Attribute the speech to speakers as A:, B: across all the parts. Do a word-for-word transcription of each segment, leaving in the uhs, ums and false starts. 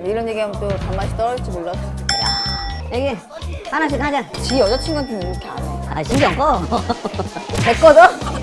A: 이런 얘기하면 또 단맛이 떨어질지 몰라서.
B: 여기 하나씩 하자.
A: 지 여자친구한테는 이렇게 안 해.
B: 아 신경 꺼.
A: 내 거죠?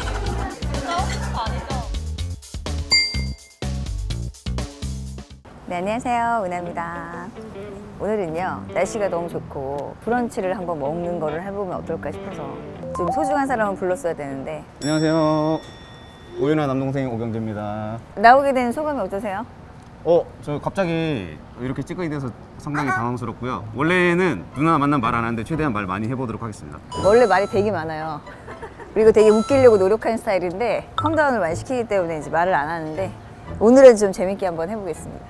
A: 네, 안녕하세요. 은하입니다. 오늘은요, 날씨가 너무 좋고 브런치를 한번 먹는 거를 해보면 어떨까 싶어서 좀 소중한 사람을 불렀어야 되는데.
C: 안녕하세요. 오윤아 남동생 오경재입니다.
A: 나오게 된 소감이 어떠세요?
C: 어, 저 갑자기 이렇게 찍게 돼서 상당히 당황스럽고요. 원래는 누나 만나면 말 안 하는데 최대한 말 많이 해보도록 하겠습니다.
A: 원래 말이 되게 많아요. 그리고 되게 웃기려고 노력하는 스타일인데 컴다운을 많이 시키기 때문에 이제 말을 안 하는데 오늘은 좀 재밌게 한번 해보겠습니다.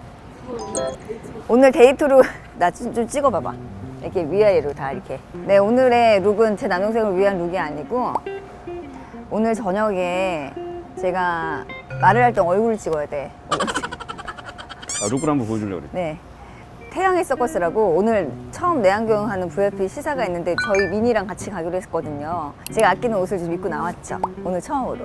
A: 오늘 데이트로 나 좀 찍어봐봐. 이렇게 위아래로 다 이렇게. 네, 오늘의 룩은 제 남동생을 위한 룩이 아니고 오늘 저녁에 제가 말을 할 때 얼굴을 찍어야 돼.
C: 아, 룩을 한번 보여주려고 그래.
A: 네. 태양의 서커스라고 오늘 처음 내한경 하는 브이아이피 시사가 있는데 저희 미니랑 같이 가기로 했거든요. 제가 아끼는 옷을 좀 입고 나왔죠. 오늘 처음으로.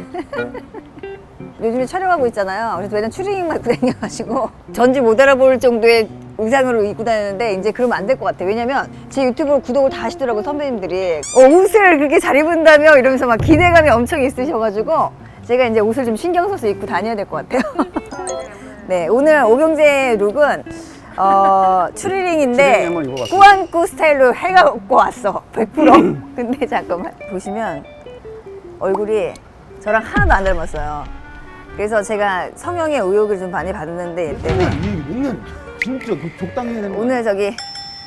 A: 요즘에 촬영하고 있잖아요. 그래서 맨날 추리닝만 입고 다녀가지고 전지 못 알아볼 정도의 의상으로 입고 다니는데 이제 그러면 안 될 것 같아요. 왜냐면 제 유튜브로 구독을 다 하시더라고요, 선배님들이. 어, 옷을 그렇게 잘 입은다며? 이러면서 막 기대감이 엄청 있으셔가지고 제가 이제 옷을 좀 신경 써서 입고 다녀야 될 것 같아요. 네, 오늘 오경재 룩은 어, 추리닝인데
C: 추리닝 한번 입어봤어요.
A: 꾸안꾸 스타일로 해갖고 왔어. 백 퍼센트. 근데 잠깐만 보시면 얼굴이 저랑 하나도 안 닮았어요. 그래서 제가 성형의 의혹을 좀 많이 받는데 얘 때문에
C: 맨날 진짜 적당히 해야 되는
A: 오늘 저기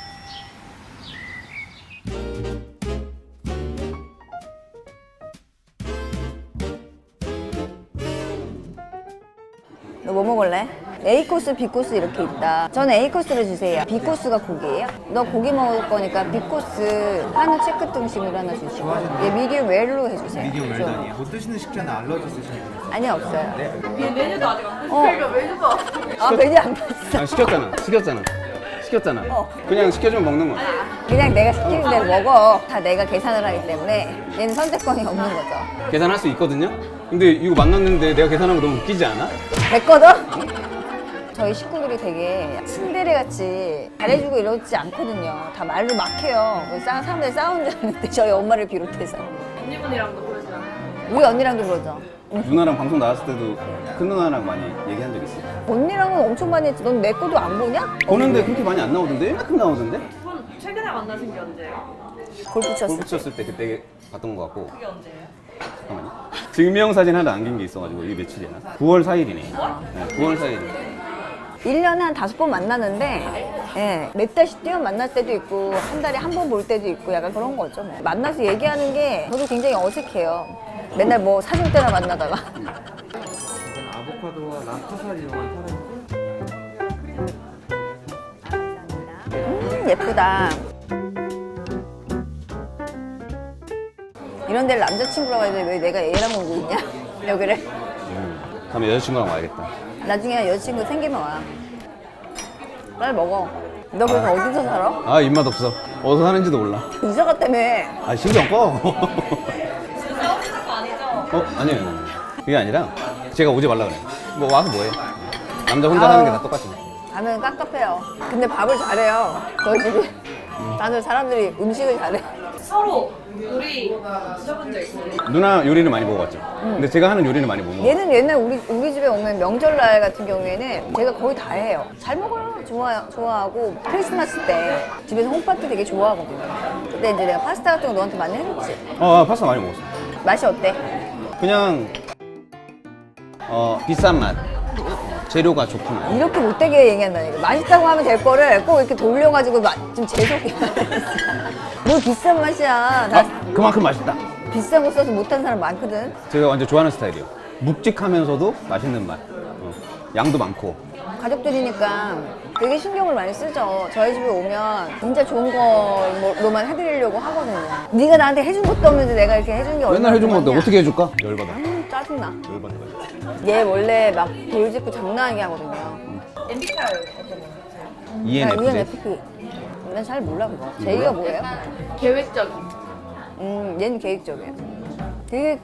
A: 너 뭐 먹을래? A 코스, B 코스 이렇게 있다. 저는 A 코스를 주세요. B 코스가 고기예요? 너 고기 먹을 거니까 B 코스 한우 체크 등심으로 하나 주시고 얘 미디움 웰로 해주세요.
D: 미디움
A: 좀.
D: 웰던이요. 못 드시는 식재는 알러지 있으시는 분이
A: 아니 없어요.
D: 네.
A: 메뉴도 아직 안 봤어. 그러니까 메뉴 봐. 아 메뉴 안 봤어.
C: 아, 시켰잖아. 시켰잖아. 시켰잖아.
A: 어.
C: 그냥 시켜주면 먹는 거야.
A: 그냥 내가 시키는 대로 먹어. 다 내가 계산을 하기 때문에 얘는 선택권이 없는 거죠.
C: 계산할 수 있거든요? 근데 이거 만났는데 내가 계산하면 너무 웃기지 않아?
A: 내 거죠? 저희 식구들이 되게 츤데레 같이 잘해주고 이러지 않거든요. 다 말로 막해요. 싸, 사람들이 싸우는 줄 알았는데 저희 엄마를 비롯해서.
E: 언니분이랑도 그러시나요?
A: 우리 언니랑도 그러죠.
C: 누나랑 방송 나왔을 때도 큰 누나랑 많이 얘기한 적 있어.
A: 언니랑은 엄청 많이 했지. 넌 내 것도 안 보냐?
C: 보는데 그렇게 많이 안 나오던데? 이만큼 나오던데?
E: 분 최근에 만나신 게 언제예요?
A: 골프 쳤어.
C: 골프 쳤을 때 그때 봤던 것 같고.
E: 그게 언제예요?
C: 잠깐만요. 증명사진 하나 남긴 게 있어가지고 이게 며칠이야? 구월 사일이네. 네, 구월 사일.
A: 일 년에 한 다섯 번 만나는데 예, 몇 달씩 뛰어 만날 때도 있고 한 달에 한 번 볼 때도 있고 약간 그런 거죠. 뭐. 만나서 얘기하는 게 저도 굉장히 어색해요. 맨날 뭐 사줄 때나 만나다가
D: 이건 아보카도와 락토사를 이용한 타르트.
A: 음 예쁘다. 이런 데를 남자친구라고 해도 왜 내가 얘랑 오고 있냐? 여기를.
C: 음, 다음에 여자친구랑 와야겠다.
A: 나중에 여자친구 생기면 와. 빨리 먹어. 너 그래서 어디서 살아?
C: 아, 입맛 없어. 어디서 사는지도 몰라.
A: 이사 갔다며.
C: 아, 신경 꺼.
E: 지금 싸우시는 거 아니죠?
C: 어? 아니에요. 그게 아니라 제가 오지 말라 그래. 뭐 와서 뭐해. 남자 혼자 사는 게 다 똑같지.
A: 가면 깝깝해요. 근데 밥을 잘해요. 저희 집이. 다들 사람들이 음식을 잘해.
E: 서로 요리 드셔본 적 있어요?
C: 누나 요리를 많이 먹어봤죠. 근데 제가 하는 요리는 많이 못 먹어.
A: 얘는 옛날 우리, 우리 집에 오면 명절날 같은 경우에는 제가 거의 다 해요. 잘 먹어요. 좋아, 좋아하고 크리스마스 때 집에서 홈파티 되게 좋아하거든요. 그때 이제 내가 파스타 같은 거 너한테 많이 해줬지.
C: 어, 아, 파스타 많이 먹었어.
A: 맛이 어때?
C: 그냥 어 비싼 맛. 어, 재료가 좋구나.
A: 이렇게 못되게 얘기한다니까. 맛있다고 하면 될 거를 꼭 이렇게 돌려가지고 마, 좀 재수없게 뭘 비싼 맛이야. 나
C: 아, 그만큼 맛있다.
A: 비싼 거 써서 못하는 사람 많거든.
C: 제가 완전 좋아하는 스타일이에요. 묵직하면서도 맛있는 맛. 어, 양도 많고.
A: 가족들이니까 되게 신경을 많이 쓰죠. 저희 집에 오면 진짜 좋은 거로만 해드리려고 하거든요. 네가 나한테 해준 것도 없는데 내가 이렇게 해준 게 얼마나
C: 맨날 해준 건데
A: 고맙냐.
C: 어떻게 해줄까? 열받아.
A: 음, 짜증나.
C: 열받아.
A: 얘 원래 막 돌직구 장난하게 하거든요.
E: 엠비티아이 어떤 거세요?
C: 이엔에프제.
A: 이엔에프피. 난 잘 몰라 그거. 제이가 뭐예요?
E: 계획적인.
A: 음, 얘는 계획적이에요. 되게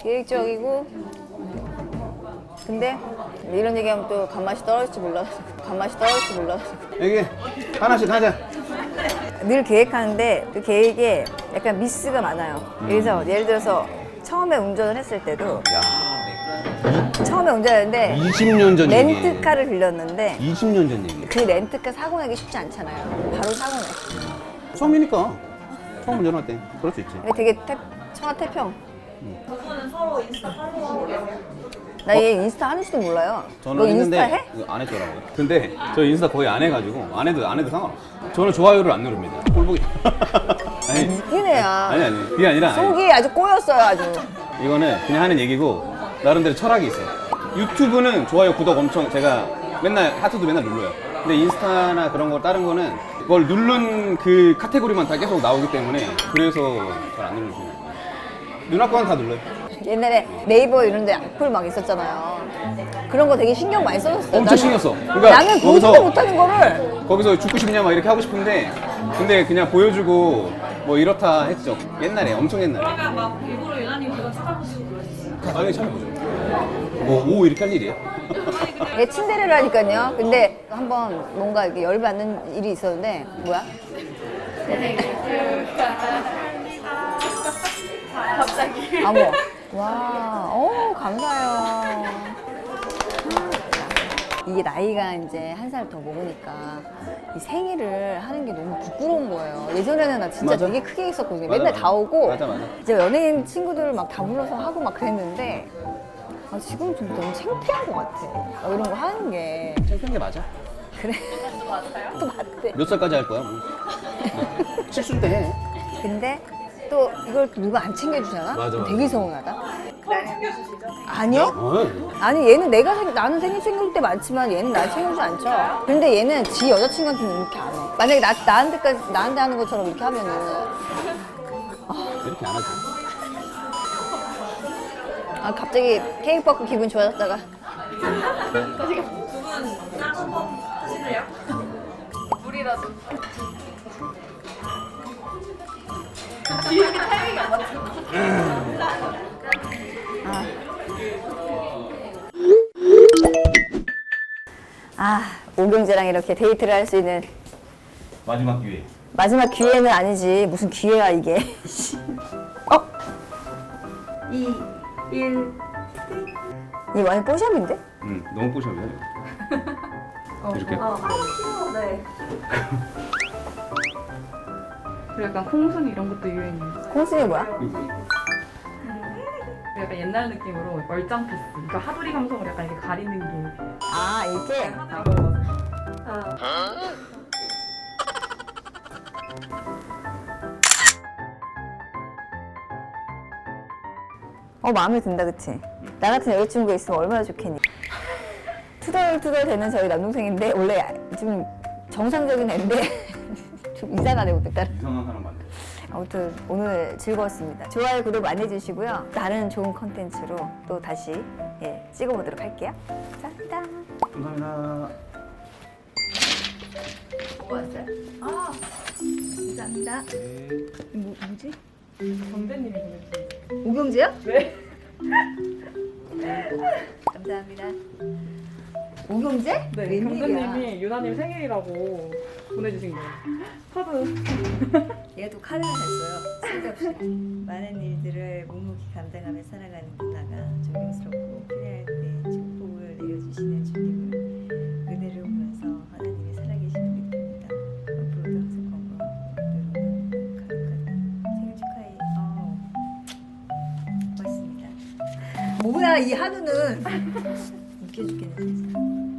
A: 계획적이고 근데 이런 얘기하면 또 단맛이 떨어질지 몰라서 밥맛이 떨어질지 몰라서.
C: 여기 하나씩 하자.
A: 늘 계획하는데 그 계획에 약간 미스가 많아요. 그래서 예를 들어서 처음에 운전을 했을 때도 처음에 운전했는데
C: 이십 년 전 얘기.
A: 렌트카를 빌렸는데
C: 이십 년 전 얘기.
A: 그 렌트카 사고 내기 쉽지 않잖아요. 바로 사고 내.
C: 처음이니까. 처음 운전할 때 그럴 수 있지.
A: 근데 되게 태, 청아태평.
E: 두 분은 서로 인스타 팔로우하고 계세요?
A: 나 얘 인스타 하는지도 몰라요.
C: 저는
A: 너
C: 했는데
A: 인스타 해?
C: 이거 안 했더라고요. 근데 저 인스타 거의 안 해가지고 안 해도 안 해도 상관없어. 저는 좋아요를 안 누릅니다. 꼴보기. 아니
A: 웃긴 애야.
C: 아니 아니 그게 아니라 아니,
A: 속이 아주 꼬였어요, 아주.
C: 이거는 그냥 하는 얘기고 나름대로 철학이 있어요. 유튜브는 좋아요 구독 엄청 제가 맨날 하트도 맨날 눌러요. 근데 인스타나 그런 거 다른 거는 그걸 누른 그 카테고리만 다 계속 나오기 때문에 그래서 잘 안 누르는 거예요. 누나 거는 다 눌러요.
A: 옛날에 네이버 이런 데 악플 막 있었잖아요. 그런 거 되게 신경 많이 써줬어.
C: 엄청 신경 써. 그러니까
A: 나는 보지도
C: 거기서-
A: 못하는 거를.
C: 거기서 죽고 싶냐 막 이렇게 하고 싶은데 근데 그냥 보여주고 뭐 이렇다 했죠. 옛날에 엄청 옛날에.
E: 그러면 막 일부러 유나님 그거 찾아보시고 그러시죠?
C: 당연히 찾아보죠. 뭐 오 이렇게 할 일이에요?
A: 얘 침대래라니까요. 근데 한번 뭔가 이렇게 열받는 일이 있었는데 뭐야?
E: 갑자기.
A: 아무. 와, 어 감사해요. 이게 나이가 이제 한 살 더 먹으니까 이 생일을 하는 게 너무 부끄러운 거예요. 예전에는 나 진짜
C: 맞아.
A: 되게 크게 했었거든요.
C: 맞아,
A: 맨날
C: 맞아.
A: 다 오고
C: 맞아, 맞아.
A: 이제 연예인 친구들을 막 다 불러서 하고 막 그랬는데 아, 지금 좀 너무 창피한 것 같아. 아, 이런 거 하는 게.
C: 창피한 게 맞아.
A: 그래. 또 맞대.
C: 몇 살까지 할 거야? 뭐. 칠순 때 해.
A: 근데 또 이걸 또 누가 안 챙겨주잖아?
C: 맞아,
A: 그럼
C: 맞아.
A: 되게 서운하다.
E: 서로 챙겨주시죠?
A: 아니요?
C: 어.
A: 아니 얘는 내가 생, 나는 생일 챙길 때 많지만 얘는 날 챙겨주지 않죠. 근데 얘는 지 여자친구한테는 이렇게 안 해. 만약에 나, 나한테까지 나한테 하는 것처럼 이렇게 하면은
C: 이렇게 안 하지.
A: 아 갑자기 케이크 받고 기분 좋아졌다가
E: 두분 짠 한번 하실래요? 물이라도. 이렇게 타이밍이 안 맞죠?
A: 아 오경재랑 이렇게 데이트를 할 수 있는
C: 마지막 기회.
A: 마지막 기회는 아니지. 무슨 기회야 이게. 어?
E: 이, 일.
A: 이 완전 뽀샵인데?
C: 응, 너무 뽀샵이야. 이렇게.
E: 네.
F: 그리고 약간 콩순 이런 것도 유행이에요.
A: 콩순이 뭐야?
C: 이거.
F: 약간 옛날 느낌으로 얼짱 피스. 그러니까 하두리 감성을 약간 이렇게 가리는 게.
A: 아 이렇게?
F: 아, 맞아.
A: 어 마음에 든다 그치? 나 같은 여자친구가 있으면 얼마나 좋겠니? 투덜투덜 되는 저희 남동생인데 원래 좀 정상적인 애인데 좀 이상하네 오늘 따라.
C: 이상한 사람 많네.
A: 아무튼 오늘 즐거웠습니다. 좋아요 구독 많이 해주시고요. 다른 좋은 컨텐츠로 또 다시 예, 찍어보도록 할게요. 감사합니다.
C: 감사합니다.
A: 뭐 왔어요? 아 감사합니다. 뭐, 뭐지?
F: 정대님이 보내주신
A: 오경재야?
F: 네.
A: 감사합니다. 오경재?
F: 네,
A: 웬일이야?
F: 강대님이 유나님 생일이라고 보내주신 거예요. 카드.
A: 얘가 또 카드를 냈어요. 쓸데없이. 많은 일들을 묵묵히 감당하며 살아가는 누나가 존경스럽고 필요할 때 축복을 내려주시는 주님을 은혜를 보면서 하나님이 살아계심을 느낍니다. 앞으로도 항상 건강하고 때로는 가득하게 생일 축하해. 어. 고맙습니다. 뭐야 이 한우는 웃겨 죽겠네 진짜.